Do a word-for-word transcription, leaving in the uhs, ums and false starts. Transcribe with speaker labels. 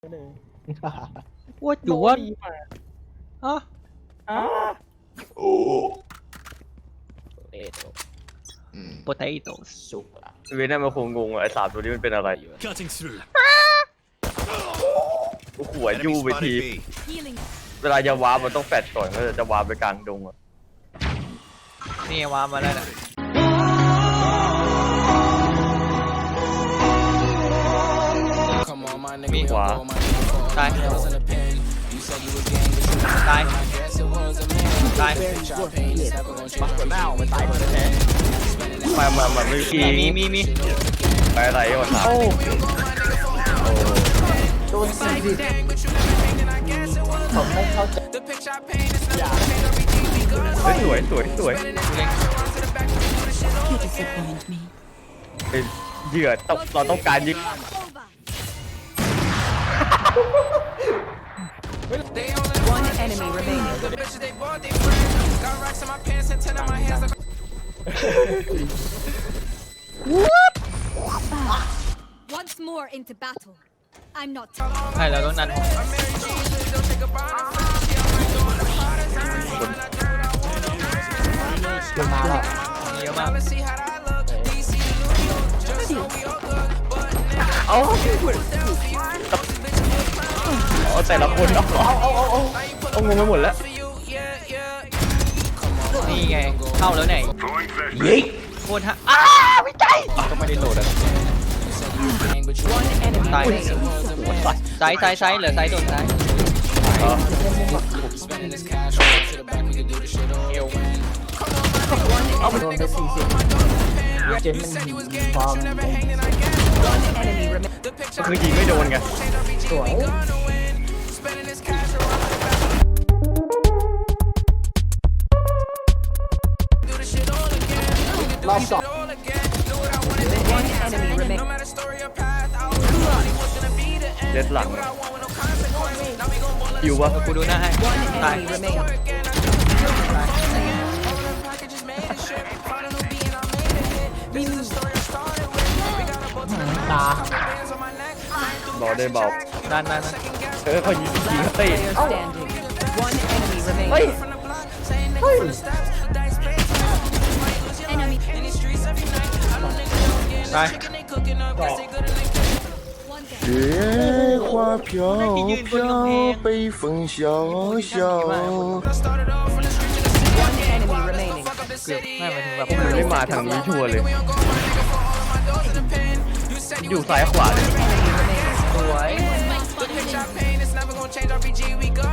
Speaker 1: ว่าอยู่ว่าอ๋ออ๋อโปเตโต้ซุป
Speaker 2: เวยน่ามันคงงงไอ้สามตัวนี้มันเป็นอะไรกูขวดยู่ไปทีเวลาจะวาร์ปมันต้องแฟดก่อนก็จะวาร์ปไปกลางดงอ่ะ
Speaker 1: นี่วามาแล้วนะมีขวาตายตายตายมาหัวหน้ามันตายหมดแล้ว
Speaker 2: มามามาไม่มี
Speaker 1: มีมีมี
Speaker 2: ไปอะไรก่อนครับโอ้โดนสี่ดิผมไม่เข้าใจสวยสวยสวยเป็นเหยื่อต้องเราต้องการยิง
Speaker 3: One enemy remaining.
Speaker 4: Once more into battle. I'm not.
Speaker 1: ใช่เราต้องนันเยอะมากเยอะมาก
Speaker 2: เอาเอาแต่ละคนเอาเอาเอาเอาเอางงไปหมดแล้ว
Speaker 1: นี่ไงเข้าแล้วไหนยิงโคตรฮะอ้าไม่ใจก็ไม่ได้โหลดอ่ะตายซ้ายซ้ายซ้ายเหลือซ้ายโดนซ้าย
Speaker 3: เอาไปโดนไปสี่สิบเจนมันฟอร์ม One enemy remaining.
Speaker 2: ก็คือยิงไม่โดนไง
Speaker 3: สวยรอบสอง One enemy remaining.
Speaker 2: เด็ดหลังอยู่วะ
Speaker 1: กูดูหน้าให้
Speaker 3: One
Speaker 1: ตาย
Speaker 3: enemy remaining. ตาร
Speaker 2: อได้เบา
Speaker 1: นั่นนั่น
Speaker 2: เออเขายิงยิงเฮ้ย
Speaker 3: Player standing. One enemy
Speaker 2: เฮ้ย
Speaker 3: remaining.
Speaker 2: เฮ้ย
Speaker 4: Enemy.
Speaker 1: ตาย
Speaker 4: One dead.
Speaker 5: 雪花飘飘，北风萧萧。
Speaker 3: One enemy remaining.
Speaker 1: เกือบไม่หมายถึงแบบ
Speaker 2: ไม่มาทางนี้ชัวร์เลยอยู่ซ้ายขวาเลย
Speaker 3: Enemy remaining.
Speaker 1: สวย